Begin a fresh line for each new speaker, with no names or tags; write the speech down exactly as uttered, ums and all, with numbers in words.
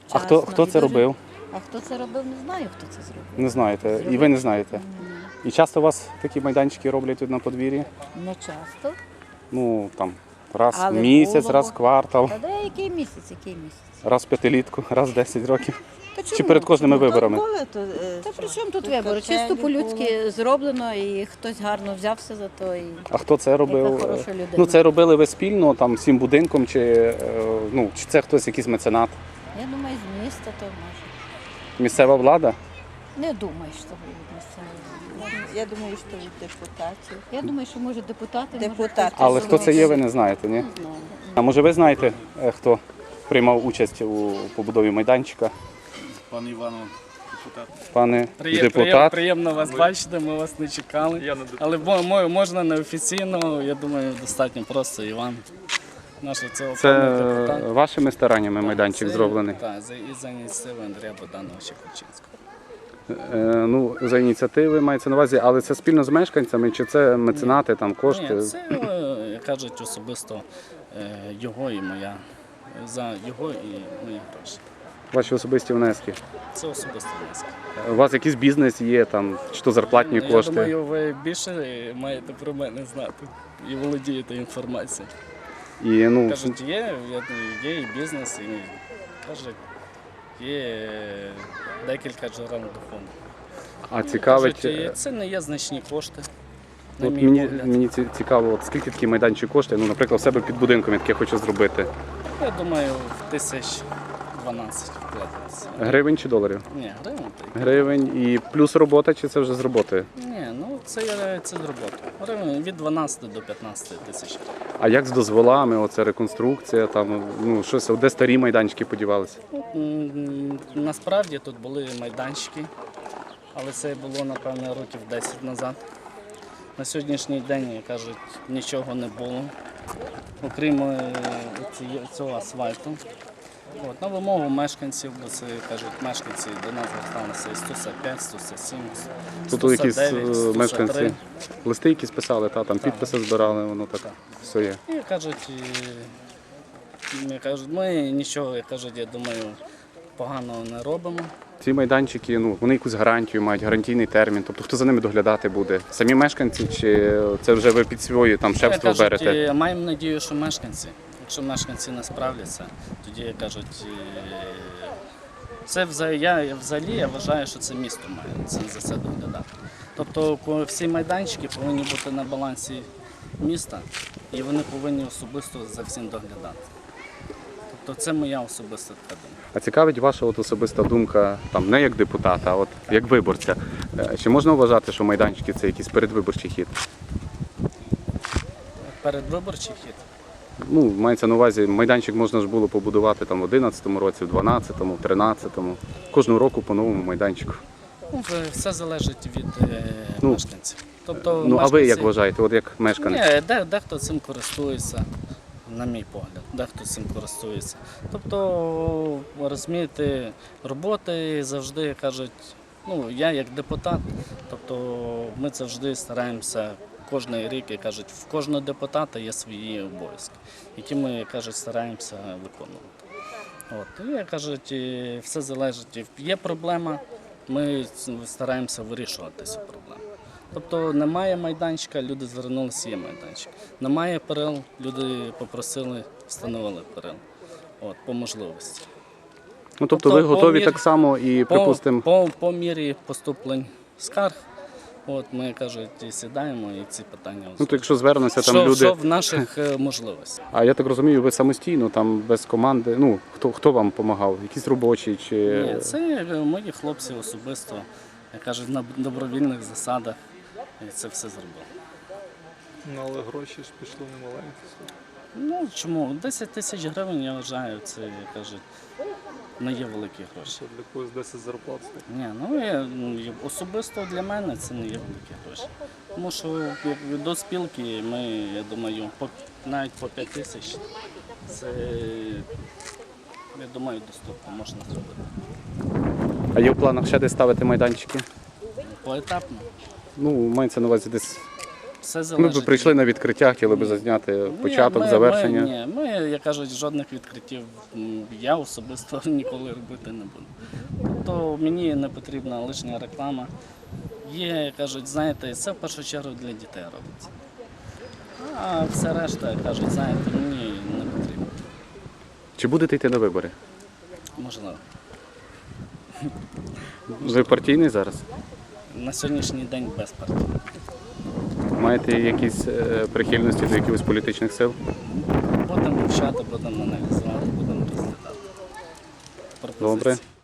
А хто,
вчасно
хто
і
це
дуже-
робив?
А хто це робив, не знаю, хто це зробив.
Не знаєте. І
Зробив.
ви не знаєте.
Ні.
І часто у вас такі майданчики роблять тут на подвір'ї?
Не часто.
Ну, там, раз в
Але
місяць,
було.
раз в квартал,
Та де який місяць, який місяць?
раз в п'ятилітку, раз в десять років.
Та
Чи
чому?
перед кожними
Ну, то-
виборами?
Були, то, е,
Та
що?
при чому тут
Тут
вибори?
качелі
Чисто по-людськи
були.
зроблено і хтось гарно взявся за то. І...
А хто це робив?
хороша людина.
Ну, це робили ви спільно, там, всім будинком, чи, е, ну, чи це хтось якийсь меценат?
Я думаю, з міста то може.
Місцева влада?
Не думаю, що від місцевого.
Я думаю, що від депутатів.
Я думаю, що може депутати. може,
Депутати.
хтось
Але
це
хто це є, ви
зробив.
не знаєте, ні?
Не знаю.
А може ви знаєте, е, хто приймав участь у побудові майданчика?
Пан Іванов, депутат.
Пане
Приє-
депутат?
приєм- Приємно вас бачити, ми вас не чекали. Але бо- мо- можна неофіційно, я думаю, достатньо просто Іван. Наш цього
Це
пана депутата.
вашими стараннями майданчик
Це-
зроблений?
Так, за, і за ініціативи Андрія Богдановича Кульчинського.
Е, ну, за ініціативи мається на увазі, але це спільно з мешканцями, чи це меценати, там кошти?
Ні, це, е, як кажуть, особисто е, його і моя. За його і мої гроші.
Ваші особисті внески?
Це особисто внесок.
У вас якийсь бізнес є, там, чи то зарплатні
Я
кошти?
думаю, ви більше маєте про мене знати і володієте інформацією.
І, ну,
Кажуть, є, я думаю, є і бізнес, і кажуть, є декілька джерел доходу.
а цікавить,
Кажуть, і
е,
це не є значні кошти. На
от
мій
мені,
погляд.
мені ці- цікаво, от скільки такий майданчик коштує, ну, наприклад, в себе під будинком, яке я хочу зробити.
Я думаю, в тисяч дванадцять вкладається.
Гривень чи доларів?
Ні, гривень так.
Гривень і плюс робота, чи це вже з роботи?
Ні, ну це, є- це з роботи. Гривень від дванадцяти до п'ятнадцяти тисяч.
А як з дозволами, оце реконструкція, там, ну, щось, де старі майданчики подівалися?
М, Насправді тут були майданчики, але це було, напевно, років десять назад. На сьогоднішній день, як кажуть, нічого не було, окрім е, ці- цього асфальту. От, на вимогу мешканців, бо це кажуть, мешканці до нас зверталися і сто сорок п'ять, сто сорок сім,
Тут
сто
якісь
сорок дев'ять,
е,
сто сорок
мешканці
три.
листи якісь писали, та, там підписи збирали, воно так,
Так.
все є.
І кажуть, і, як кажуть, ми нічого, як кажуть, я думаю, поганого не робимо.
Ці майданчики, ну, вони якусь гарантію мають, гарантійний термін. Тобто хто за ними доглядати буде? Самі мешканці, чи це вже ви під свої там
Як
шефство
кажуть,
берете?
і маємо надію, що мешканці. Якщо мешканці не справляться, тоді як кажуть, і, це взагалі, я взагалі я вважаю, що це місто має це, за це доглядати. Тобто ко- всі майданчики повинні бути на балансі міста і вони повинні особисто за всім доглядати. Тобто це моя особиста така думка.
А цікавить ваша от особиста думка, там не як депутата, а от як виборця. Е, Чи можна вважати, що майданчики це якийсь передвиборчий хід?
Передвиборчий хід.
Ну, мається на увазі, майданчик можна ж було побудувати там в одинадцятому році, в дванадцятому, в тринадцятому. Кожного року по новому майданчику.
Ну, в- все залежить від е,
Ну,
мешканців. Тобто,
Ну, а ви як
мешканці-
вважаєте, от як мешканець?
Ні, де, дехто цим користується, на мій погляд, дехто цим користується. Тобто, розумієте, роботи завжди кажуть, ну, я як депутат, тобто ми завжди стараємося кожен рік, як кажуть, в кожного депутата є свої обов'язки, які ми, як кажуть, стараємося виконувати. От, і, як кажуть, і все залежить. Є проблема, ми стараємося вирішувати цю проблему. Тобто немає майданчика, люди звернулися, є майданчик. Немає перил, люди попросили, встановили перил. От, по можливості.
Ну, тобто
тобто
ви
по
готові
мірі-
так само і,
По,
припустимо,
по, по мірі поступлень скарг, от ми кажуть, і сідаємо і ці питання.
ну, то якщо звернуться там
що,
люди,
що в наших е, можливостях.
а я так розумію, ви самостійно, там без команди, ну, хто, хто вам допомагав? Якісь робочі чи...
Ні, це е, мої хлопці особисто, як кажуть, на добровільних засадах і це все зробили.
Ну, але гроші ж пішли немаленькі.
Ну чому? десять тисяч гривень, я вважаю, це, як кажуть, не є великі гроші.
Що для когось десять зарплат стоїть.
Ні, ну я, ну, і особисто для мене це не є великі гроші. Тому що як до спілки ми, я думаю, по, навіть по п'ять тисяч це, я думаю, доступно можна зробити.
А є в планах ще десь ставити майданчики?
Поетапно.
Ну, мається на увазі десь
Все
Ми
залежить.
б прийшли на відкриття, хотіли б зазняти
Ні,
початок,
ми-
завершення.
Ми, ні, ми, як кажуть, жодних відкриттів м, я особисто ніколи робити не буду. Тобто мені не потрібна лишня реклама. Є, як кажуть, знаєте, це в першу чергу для дітей робиться. А все решта, як кажуть, знаєте, мені не потрібно.
Чи будете йти на вибори?
Можливо.
Ви партійний зараз?
На сьогоднішній день без партії.
Маєте якісь е, прихильності до якихось політичних сил?
Будемо вивчати, будемо аналізувати, будемо розглядати.
Добре.
Пропозиції.